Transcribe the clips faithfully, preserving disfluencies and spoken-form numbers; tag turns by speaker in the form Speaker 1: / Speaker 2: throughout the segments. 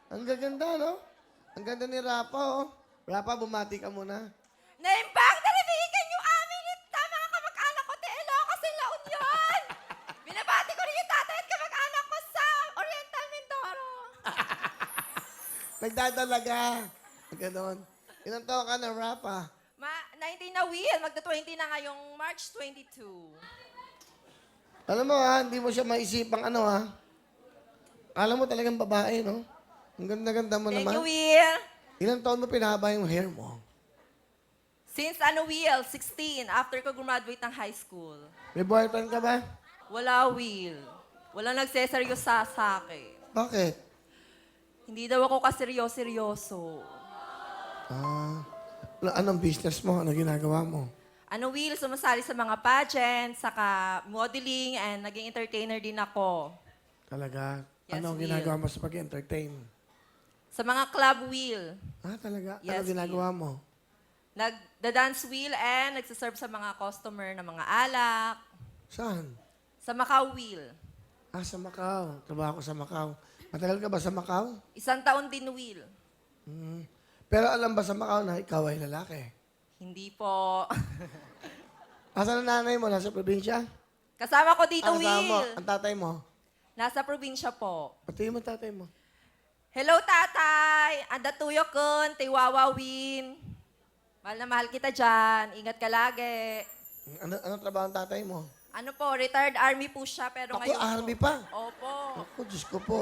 Speaker 1: Ang gaganda, no? Ang ganda ni Rapa, oh. Rapa, bumati ka muna.
Speaker 2: Naimbang naribigan yung amin ita, mga kamag-anak ko, te Ilocos, La Union. Binabati ko rin yung tatay at kamag-anak ko sa Oriental Mindoro.
Speaker 1: Nagdadalaga. Ganon. Ilang taon ka na, Rapa?
Speaker 2: Ma, nineteen na Will, magda-twenty na ngayong March twenty-two.
Speaker 1: Alam mo, ha? Hindi mo siya maisipang ano, ha? Alam mo talagang babae, no? Ang ganda-ganda mo
Speaker 2: Thank
Speaker 1: naman.
Speaker 2: you, Will.
Speaker 1: Ilang taon mo pinahaba yung hair mo?
Speaker 2: Since ano, Will, sixteen, after ko graduate ng high school.
Speaker 1: May boyfriend ka ba?
Speaker 2: Wala, Will. Wala nagseseryosa sa akin.
Speaker 1: Bakit?
Speaker 2: Hindi daw ako kaseryoso-seryoso.
Speaker 1: Ah, ano- anong business mo? Ano ginagawa mo?
Speaker 2: Ano, Will, sumasali sa mga pageants, saka modeling, and naging entertainer din ako.
Speaker 1: Talaga?
Speaker 2: Yes,
Speaker 1: Anong
Speaker 2: Will.
Speaker 1: ginagawa mo sa pag-entertain?
Speaker 2: Sa mga club, Will.
Speaker 1: Ah, talaga?
Speaker 2: Yes,
Speaker 1: ano ginagawa mo?
Speaker 2: Nagda-dance wheel and nagsaserve sa mga customer ng mga alak.
Speaker 1: Saan?
Speaker 2: Sa Macau Wheel.
Speaker 1: Ah, sa Macau. Trabaho ko sa Macau. Matagal ka ba sa Macau?
Speaker 2: Isang taon din wheel.
Speaker 1: Hmm. Pero alam ba sa Macau na ikaw ay lalaki?
Speaker 2: Hindi po.
Speaker 1: Asan ang nanay mo? Nasa probinsya?
Speaker 2: Kasama ko dito,
Speaker 1: Ang kasama mo?
Speaker 2: Will.
Speaker 1: Ang tatay mo?
Speaker 2: Nasa probinsya po.
Speaker 1: Pati mo tatay mo?
Speaker 2: Hello, tatay. Anda tuyo kun, tiwawa win. Mahal na mahal kita dyan. Ingat ka lagi.
Speaker 1: Ano, ano trabaho ng tatay mo?
Speaker 2: Ano po, retired army po siya, pero
Speaker 1: Ako,
Speaker 2: ngayon
Speaker 1: army
Speaker 2: po.
Speaker 1: pa?
Speaker 2: Opo.
Speaker 1: Ako, Diyos ko po.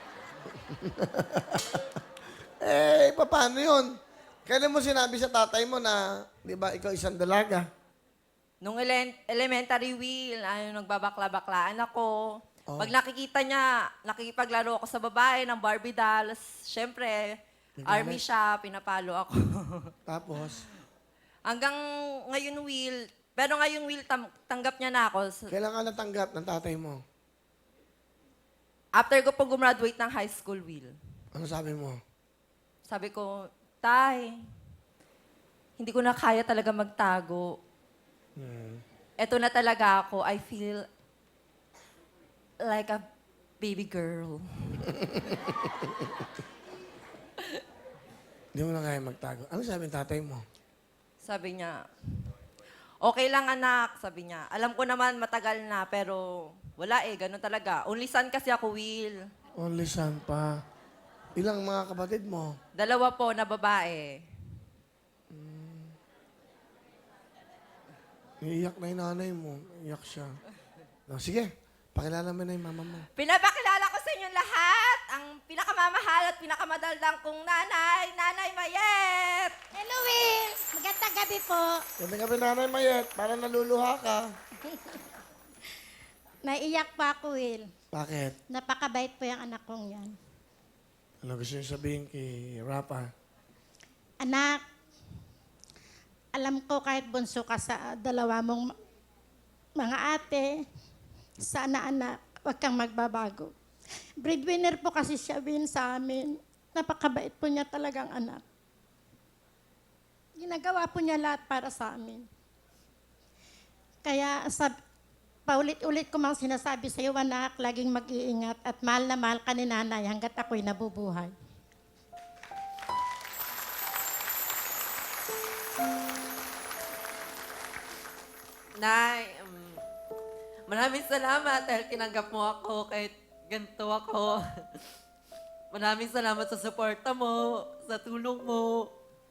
Speaker 1: eh, paano yun? Kailan mo sinabi sa tatay mo na, di ba, ikaw isang dalaga?
Speaker 2: Nung ele- elementary wheel, ano, nagbabakla-baklaan ako.
Speaker 1: Oh.
Speaker 2: Pag nakikita niya, nakikipaglaro ako sa babae ng Barbie dolls, syempre,
Speaker 1: Nagalit?
Speaker 2: army siya, pinapalo ako.
Speaker 1: Tapos,
Speaker 2: Hanggang ngayon wheel, pero ngayon wheel, tam- tanggap niya na ako. So,
Speaker 1: kailan ka natanggap ng tatay mo?
Speaker 2: after ko po gumraduate ng high school wheel,
Speaker 1: Ano sabi mo?
Speaker 2: sabi ko, Tay, hindi ko na kaya talaga magtago.
Speaker 1: Hmm.
Speaker 2: Eto na talaga ako. I feel like a baby girl.
Speaker 1: Hindi mo na kaya magtago. Ano sabi ng tatay mo?
Speaker 2: Sabi niya, okay lang anak, sabi niya. Alam ko naman matagal na, pero wala eh, ganun talaga. Only son kasi ako, Will.
Speaker 1: Only son pa. Ilang mga kapatid mo?
Speaker 2: Dalawa po na babae.
Speaker 1: Iiyak na yung nanay mo. Iiyak siya. No, sige, pakilala mo na yung mama mo.
Speaker 2: Pinapakilala ko sa inyong lahat ang pinakamamahal at pinakamadaldang kong nanay, Nanay Mayet!
Speaker 3: Hello, Will. Magandang gabi po.
Speaker 1: Ganda ka ba nanay Mayet? Parang naluluha ka.
Speaker 3: Naiiyak pa ako, Will.
Speaker 1: Bakit?
Speaker 3: Napakabait po yung anak kong yan.
Speaker 1: Ano gusto niyo sabihin kay Rapa?
Speaker 3: Anak, alam ko kahit bunso ka sa dalawa mong ma- mga ate, sana anak, huwag kang magbabago. Breadwinner po kasi siya, Will, sa amin. Napakabait po niya talagang anak. Ginagawa po niya lahat para sa amin. Kaya sab paulit-ulit ko mang sinasabi sa iyo, anak, laging mag-iingat at mahal na mahal ka ni nanay hanggat ako'y nabubuhay.
Speaker 4: Nay, um, maraming salamat dahil tinanggap mo ako kahit ganito ako. Maraming salamat sa suporta mo, sa tulong mo.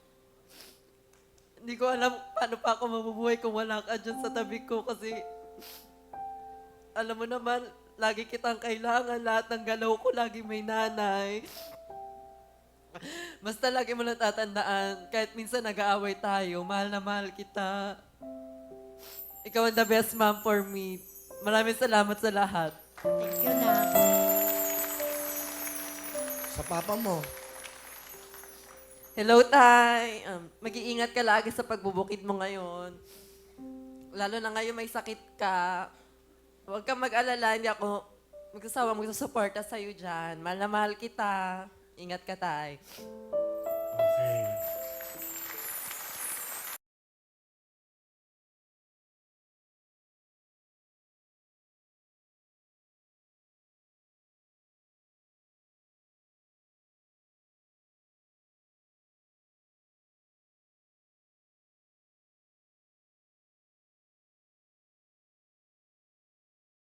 Speaker 4: Hindi ko alam paano pa ako mabubuhay kung wala ka dyan sa tabi ko kasi alam mo naman, lagi kitang kailangan. Lahat ng galaw ko, lagi may nanay. Basta lagi mo lang tatandaan, kahit minsan nag-aaway tayo, mahal na mahal kita. Ikaw ang the best mom for me. Maraming salamat sa lahat.
Speaker 3: Thank you, na.
Speaker 1: Sa papa mo.
Speaker 4: Hello, Tay. Um, mag-iingat ka lagi sa pagbubukid mo ngayon. Lalo na ngayon may sakit ka. Huwag kang mag-alala, hindi ako magsasawa magsusuporta sa'yo dyan. Mahal na mahal kita. Ingat ka, Tay.
Speaker 1: Okay.